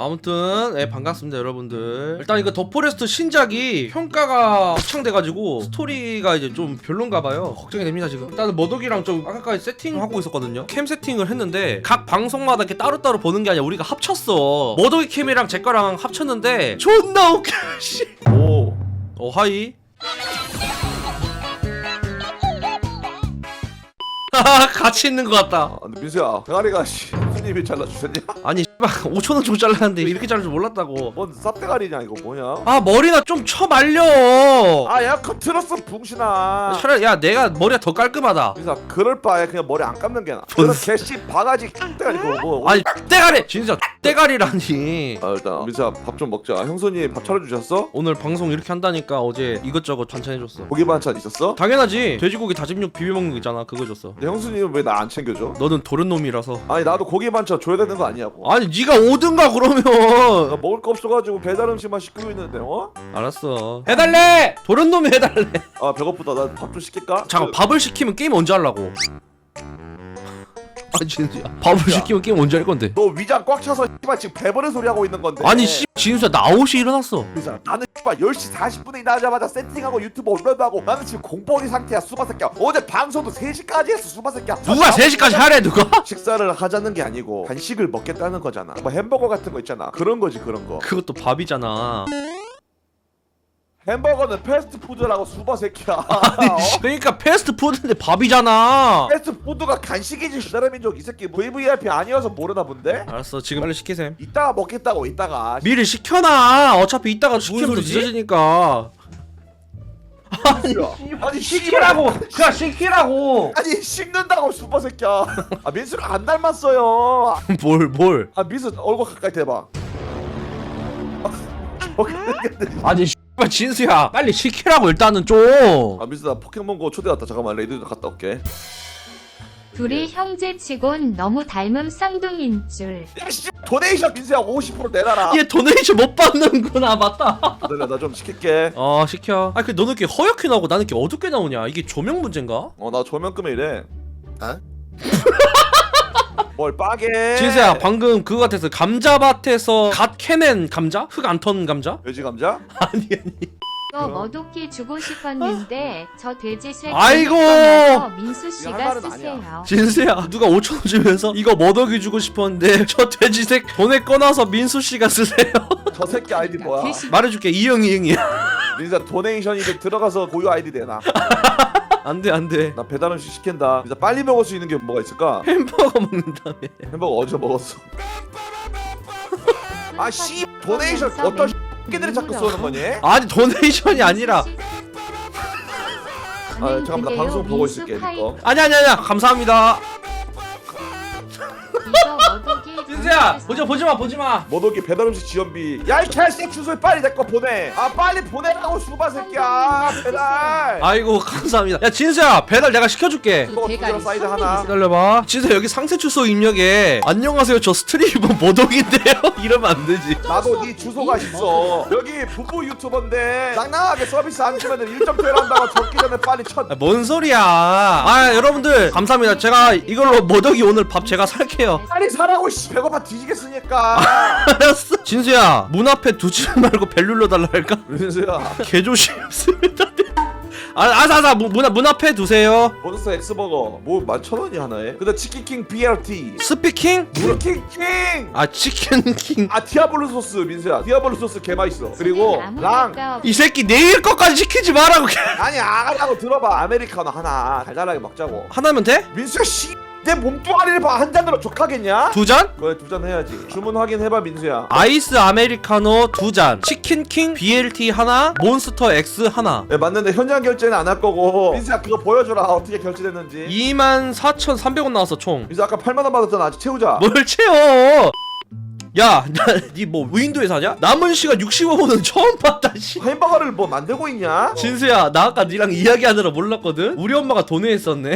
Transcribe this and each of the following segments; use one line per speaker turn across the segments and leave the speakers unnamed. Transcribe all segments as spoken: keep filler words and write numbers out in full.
아무튼 예, 반갑습니다 여러분들. 일단 이거 더 포레스트 신작이 평가가 확창돼가지고 스토리가 이제 좀 별론가봐요. 걱정이 됩니다 지금. 일단은 머독이랑 좀 아까까지 세팅하고 있었거든요. 캠 세팅을 했는데 각 방송마다 이렇게 따로따로 보는 게 아니라 우리가 합쳤어. 머독이 캠이랑 제 거랑 합쳤는데 존나 웃겨. 씨. 오, 어 하이. 같이 있는 것 같다.
아, 근데 민수야, 대가리가 씨, 손님이 잘라주셨냐?
아니 씨발 오천 원 주고 잘랐는데 이렇게 자를 줄 몰랐다고.
뭔 쌉대가리냐 이거 뭐냐?
아 머리나 좀 쳐 말려.
아, 야, 그 들었어, 붕신아.
차라리 야 내가 머리가 더 깔끔하다.
민수야, 그럴 바에 그냥 머리 안 감는 게 나아. 그런 개씨 바가지 대가리 그거 뭐?
아니 떼가리 진짜 떼가리라니.
아, 일단 민수야, 밥 좀 먹자. 형수님 밥 차려주셨어?
오늘 방송 이렇게 한다니까 어제 이것저것 반찬 해줬어.
고기 반찬 있었어?
당연하지. 돼지고기 다짐육 비벼 먹는 거 있잖아. 그거 줬어.
근데 형수님은 왜 나 안 챙겨줘?
너는 도련놈이라서.
아니 나도 고기 반찬 줘야 되는 거 아니냐고.
아니 네가 오든가 그러면.
나 먹을 거 없어가지고 배달 음식만 시키고 있는데 어?
알았어. 해달래. 도련놈이 해달래.
아 배고프다. 나 밥 좀 시킬까?
잠깐 밥을 시키면 게임 언제 하려고? 아 진짜 밥을 시키면 게임 언제 할 건데?
너 위장 꽉 차서 씨발 지금 배부른 소리 하고 있는 건데.
아니 씨 진수야 나 아홉 시에 일어났어.
민수야, 나는 씨발 열 시 사십 분에 일어나자마자 세팅하고 유튜브 업로드하고 나는 지금 공포리 상태야 수바 새끼야. 어제 방송도 세 시까지 했어 수바 새끼야.
누가 세 시까지 하래 누가?
식사를 하자는 게 아니고 간식을 먹겠다는 거잖아. 뭐 햄버거 같은 거 있잖아. 그런 거지 그런 거.
그것도 밥이잖아.
햄버거는 패스트푸드라고 수바 새끼야.
아니 씨, 그러니까 패스트푸드인데 밥이잖아.
패스트푸드가 간식이지. 기다려민족 이 새끼 브이브이아이피 아니어서 모르나 본데?
알았어 지금 빨리 시키셈.
이따가 먹겠다고 이따가.
미리 시켜놔. 어차피 이따가 시키면 더 늦어지니까.
아니, 아니
시키라고. 그냥 시키라고.
아니 식는다고 수바 새끼야. 아 민수가 안 닮았어요.
뭘 뭘.
아 민수 얼굴 가까이 대봐.
아니 씨발 진수야 빨리 시키라고 일단은 좀.
아 민수 나 포켓몬고 초대 왔다. 잠깐만 레이드 갔다 올게.
둘이 형제치곤 너무 닮은 쌍둥이인 줄.
야씨 도네이션 민수야 오십 퍼센트 내놔라.
얘 도네이션 못 받는구나. 맞다.
기다려 나 좀 시킬게.
어 시켜. 아니 그 너는 이렇게 허옇게 나오고 나는 이렇게 어둡게 나오냐. 이게 조명 문제인가?
어 나 조명 끄면 이래. 어? 뭘 빠게.
진수야 방금 그거 같았어. 감자밭에서 갓 캐낸 감자? 흙 안 턴 감자?
돼지 감자?
아니 아니.
또 머독기 주고 싶었는데 저 돼지 쇠
아이고!
민수
할
씨가
말은
쓰세요.
진수야 누가 오천 원 주면서 이거 머더기 주고 싶었는데 저 돼지색 돈에 꺼놔서 민수 씨가 쓰세요.
저 새끼 아이디 뭐야?
말해줄게 이응 이응이야.
민수야 도네이션 이제 들어가서 고유 아이디 내놔.
안돼 안돼.
나 배달 음식 시킨다. 민수 빨리 먹을 수 있는 게 뭐가 있을까?
햄버거 먹는다며.
햄버거 어제 먹었어. 아씨 도네이션 어떤 새끼들이 자꾸 쏘는 거니?
아니 도네이션이 아니라.
아 잠깐만 나 방송 보고 있을게 니꺼.
아니 아니 아니야 감사합니다.
이거 머독이
진수야 보지 보지마 보지마.
머독이 배달 음식 지원비. 야이 개새끼 주소에 빨리 내 거 보내. 아 빨리 보내라고 수바 새끼야. 배달.
아이고 감사합니다. 야 진수야 배달 내가 시켜줄게.
햄버거 두 개랑 사이드 하나.
기다려봐. 진수야 여기 상세 주소 입력에 안녕하세요 저 스트리머 모독인데요. 이러면 안 되지.
나도 네 주소가 있어. 여기 부부 유튜버인데 낭낭하게 서비스 안 주면 일 점 퇴원한다고 적기 전에 빨리 쳐.
아, 뭔 소리야. 아 여러분들 감사합니다. 제가 이걸로 모독이 오늘 밥 제가 살게요.
빨리 사라고 씨. 배고파 뒤지겠으니까.
알았어. 진수야 문 앞에 두지 말고 벨 눌러달라 할까?
민수야
개조심스럽다. 아, 아사사 문, 문 앞에 두세요.
몬스터 엑스버거 뭐 만 천 원이 하나에? 근데 치킨킹 비알티
스피킹?
치킨킹.
아 치킨킹.
아 디아블로 소스 민수야. 디아블로 소스 개 맛있어. 그리고 랑.
이 새끼 내일 것까지 시키지 말라고.
아니 아가라고 들어봐. 아메리카노 하나 달달하게 먹자고.
하나면 돼?
민수야 씨. 내 몸뚱아리를 봐. 한 잔으로 족하겠냐?
두 잔?
그래 두 잔 해야지. 주문 확인해봐 민수야.
아이스 아메리카노 두 잔, 치킨킹 비엘티 하나, 몬스터 X 하나.
네 맞는데 현장 결제는 안 할 거고. 민수야 그거 보여줘라. 어떻게 결제됐는지.
이만 사천삼백 원 나왔어 총.
민수 아까 팔만 원 받았잖아. 아직 채우자.
뭘 채워? 야, 니 뭐 무인도에 사냐? 남은 시간 육십오 분은 처음 봤다 씨.
햄버거를 뭐 만들고 있냐?
진수야, 나 아까 니랑 이야기하느라 몰랐거든. 우리 엄마가 도네했었네.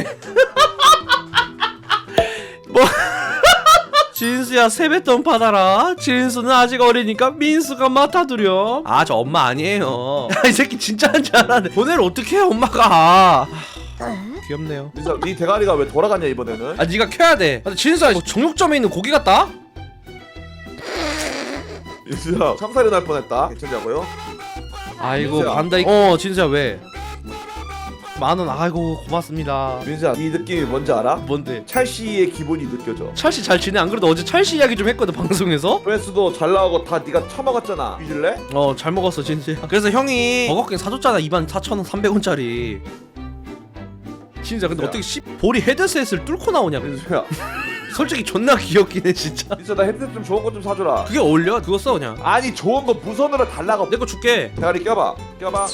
뭐? 진수야 세뱃돈 받아라. 진수는 아직 어리니까 민수가 맡아두렴. 아 저 엄마 아니에요. 야, 이 새끼 진짜 한 줄 알았네. 돈을 어떻게 해 엄마가. 귀엽네요.
민수야 네 대가리가 왜 돌아가냐 이번에는?
아 니가 켜야 돼. 아, 진수야 뭐 정육점에 있는 고기 같다?
민수야 참살이 날 뻔했다. 괜찮냐고요?
아이고
진수야.
반다이. 어 진수야 왜? 만원. 아이고 고맙습니다.
민수야 이 느낌이 뭔지 알아?
뭔데?
찰씨의 기분이 느껴져.
찰씨 잘 지내? 안 그래도 어제 찰씨 이야기 좀 했거든 방송에서.
조회수도 잘 나오고 다 네가 처먹었잖아. 잊을래?
어 잘 먹었어 진수야. 그래서 형이 버거킹 사줬잖아. 이만 사천 원 삼백 원짜리. 진짜 근데
야.
어떻게 씨 볼이 헤드셋을 뚫고 나오냐.
민수야
솔직히 존나 귀엽긴 해 진짜.
민수야 나 헤드셋 좀 좋은 거 좀 사줘라.
그게 어울려? 그거 써 그냥.
아니 좋은 거 무선으로 달라고.
내 거 줄게.
대가리 껴봐 껴봐.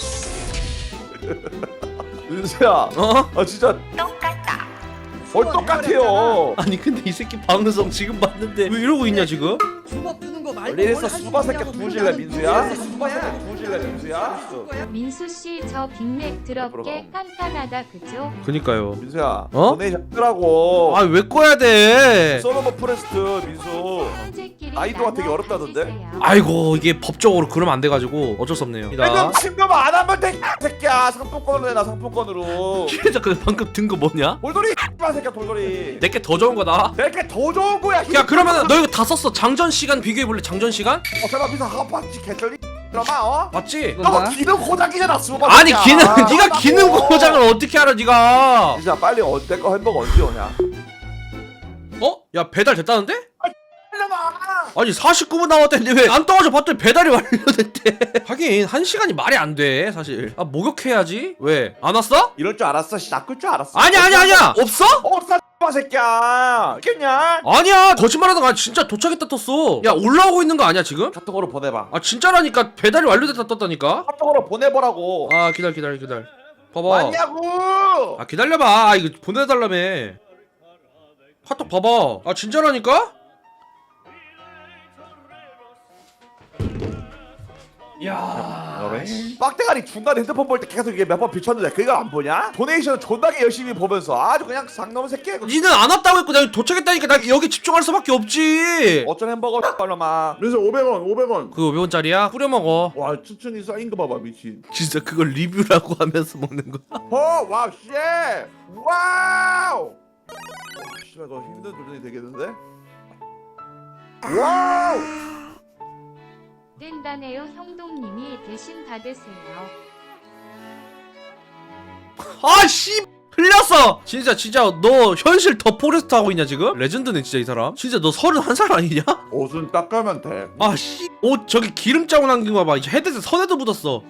민수야
어?
아 진짜
똑같다.
뭘 똑같아요.
아니 근데 이 새끼 방송 지금 봤는데 왜 이러고 있냐 지금?
수박 뜨는 거 말고
이래서
뭘 할수
수바 새끼
있냐고.
두질래
나는
민수야?
누구야?
수바 새끼 두질래 민수야?
민수 씨 저 빅맥 드럽게 깐깐하다 그죠?
그니까요.
민수야
어?
도네이션 하라고.
아 왜 꺼야 돼?
솔로몬 프레스트 민수.
형제끼리
아이도가 되게
나눠
어렵다던데?
가지세요.
아이고 이게 법적으로 그러면 안 돼가지고 어쩔 수 없네요.
지금 친구만 안 하면 돼 새끼야. 상품권으로 내놔 상품권으로.
진짜 그 방금 든 거 뭐냐?
돌돌이 이 새끼야 돌돌이.
내게 더 좋은 거다.
내게 더 좋은 거야.
야 그러면 너 이거 다 썼어. 장전 시간 비교해 볼래? 장전 시간?
어 잠깐 민수 한번씩 개쩔리. 그러마 어?
맞지?
너 기능 고장이잖아 수바.
아니
새끼야.
기능
아,
네가
하라고.
기능 고장을 어떻게 알아 네가?
진짜 빨리 언제 거 햄버거 언제 오냐?
어? 야 배달 됐다는데?
빨려놔.
아니 사십구 분 남았다는데 왜 안 떠가지고 봤더니 배달이 완료됐대. 하긴 한 시간이 말이 안 돼 사실. 아 목욕해야지. 왜? 안 왔어?
이럴 줄 알았어. 씨 낚을 줄 알았어.
아니야 아니야 아니야. 없어?
없어 이 새끼야. 있겠냐?
아니야 거짓말하다가 진짜 도착했다 떴어. 야 올라오고 있는 거 아니야 지금?
카톡으로 보내봐.
아 진짜라니까 배달이 완료됐다 떴다니까.
카톡으로 보내보라고.
아 기다려 기다려 기다려. 봐봐.
맞냐고.
아 기다려봐. 아, 이거 보내달라며. 카톡 봐봐. 아 진짜라니까? 야.
빡대가리 중간에 핸드폰 볼 때 계속 이게 몇 번 비쳤는데 그거 안 보냐? 도네이션 존나게 열심히 보면서 아주 그냥 쌍놈 새끼.
니는 안 왔다고 했고 내가 도착했다니까 나 여기 집중할 수밖에 없지.
어쩐 햄버거 빨로마.
그래서 오백 원 오백 원.
그거 오백 원짜리야? 뿌려 먹어.
와 추천이 쌓인 거 봐봐 미친.
진짜 그걸 리뷰라고 하면서 먹는 거야.
어 와우 쉣. 와우. 씨발 이거 힘든 도전이 되겠는데? 와우.
뗀다네요 형동님이 대신 받으세요.
아씨 흘렸어. 진짜 진짜 너 현실 더 포레스트 하고 있냐 지금? 레전드네 진짜 이 사람. 진짜 너 서른한 살 아니냐?
옷은 닦으면 돼.
아씨 옷 저기 기름 자국 남긴 거 봐봐. 이제 헤드셋 선에도 묻었어.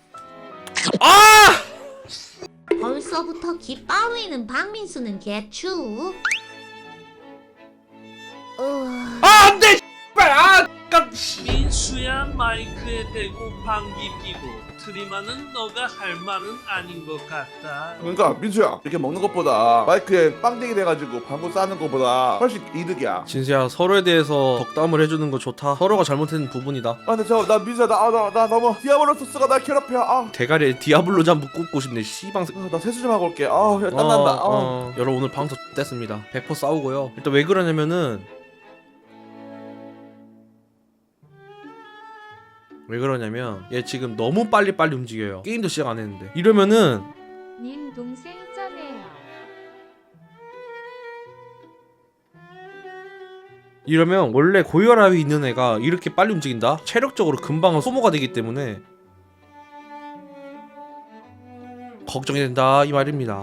아!
벌써부터 기 빠위는 박민수는 개추. 어...
아 안돼. 씨발 아 깜.
민수야 마이크에 대고 방귀 끼고 트림하는 너가 할 말은 아닌 것 같다.
그러니까 민수야 이렇게 먹는 것보다 마이크에 빵댕이 돼가지고 방구 싸는 것보다 훨씬 이득이야.
진수야 서로에 대해서 덕담을 해주는 거 좋다. 서로가 잘못한 부분이다.
아 근데 저나 민수야 나, 나, 나 너무 디아블로 소스가 날 괴롭혀. 아,
대가리에 디아블로 잠 꽂고 싶네. 씨방.
아, 나 세수 좀 하고 올게. 아 야, 땀난다. 아.
어, 어. 여러분 오늘 방송 뗐습니다. 백 퍼센트 싸우고요. 일단 왜 그러냐면은 왜 그러냐면 얘 지금 너무 빨리빨리 움직여요. 게임도 시작 안 했는데. 이러면은
님 동생 쩌네요.
이러면 원래 고혈압이 있는 애가 이렇게 빨리 움직인다? 체력적으로 금방 소모가 되기 때문에 걱정이 된다 이 말입니다.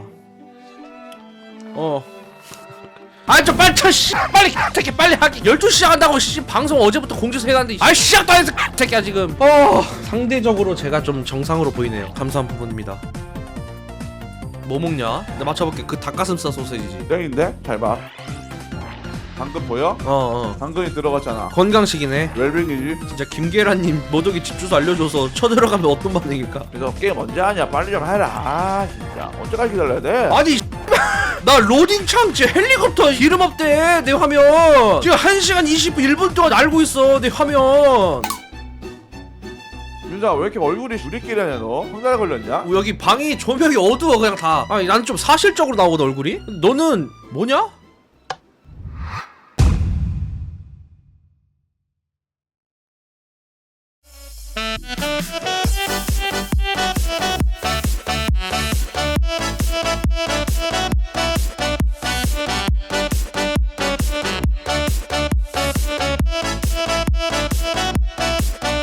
어. 아 좀 빨리 쳐 씨. 빨리 새끼 빨리 하기. 열두 시 시작한다고 씨. 방송 어제부터 공지서 해놨는데 아 시작도 안 했어 새끼야 지금. 어 상대적으로 제가 좀 정상으로 보이네요. 감사한 부분입니다. 뭐 먹냐? 나 맞춰볼게. 그 닭가슴살 소세지지.
땡인데? 잘 봐. 당근 보여?
어어
당근이 들어갔잖아.
건강식이네.
웰빙이지.
진짜 김계란님 모독이 집 주소 알려줘서 쳐들어가면 어떤 반응일까?
그래서 게임 언제 하냐? 빨리 좀 해라. 아 진짜 언제까지 기다려야 돼?
아니 나 로딩 참지 헬리콥터 이름 없대 내 화면. 지금 한 시간 이십 분 일 분 동안 알고 있어 내 화면.
윤자 왜 이렇게 얼굴이 우리끼리 하냐 너? 황달 걸렸냐?
여기 방이 조명이 어두워 그냥 다. 아니 난 좀 사실적으로 나오거든 얼굴이. 너는 뭐냐?